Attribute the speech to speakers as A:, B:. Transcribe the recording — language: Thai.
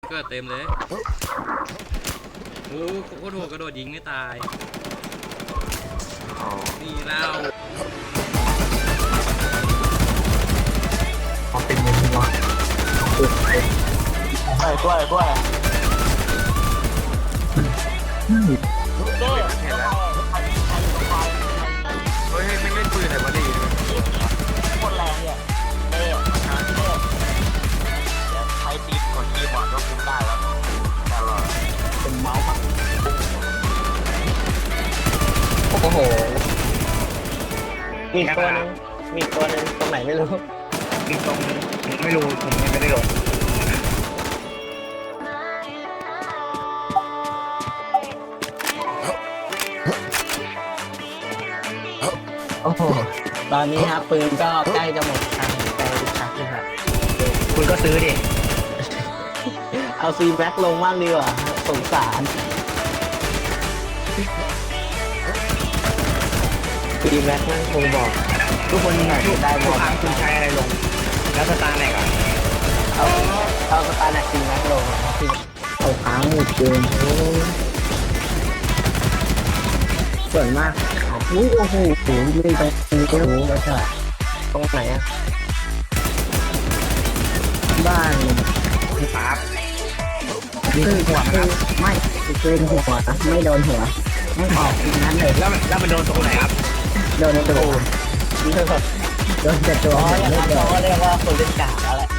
A: เกิดเต็มเลยโอ้โคตรโหดกระโดดยิงไม่ตายนี่แล้ว
B: เขาเป็นยังไงวะกล้วยเห็นแล้วเฮ้ยไม่เล่นปืนไหนวะดิคนแรงเนี่ยเดี๋ยวใช้ตีกดคีย์บอร์ดก็คุมได้แล้วแต่ว่าเป็นเมาส์ครับโอ้โหมีตัวนึงตรงไหนไม่รู้มีตรงไม่รู้ผมไม่ได้ลงโอ้โหตอนนี้ครับปืนก็ใกล้จะหมดทางใจชักเลยครับคุณก็ซื้อดิเอาซีแบ็คลงมากดีกว่าสงสารซีแบ็คนั่นคงบอกทุกคนไหนได้ทุกครั้งคุณใช้อะไรลงแล้วสตาร์ไหนก่อนเอาสตาร์ไหนซีแบ็คลงคือเอาค้างหมดเกินส่วนมากอุ้ยโอ้โหไม่ตรงนี้ก็รู้แล้วใช่ตรงไหนอะบ้านครับคือหัวครับไม่คือหัวไม่โดนหัวไม่ออกตรงนั้นเลยแล้วมันโดนตรงไหนครับโดนตัวโดนแต่ตัวอย่างนั้นเขาเรียกว่าคนเล่นกากแล้วแหละ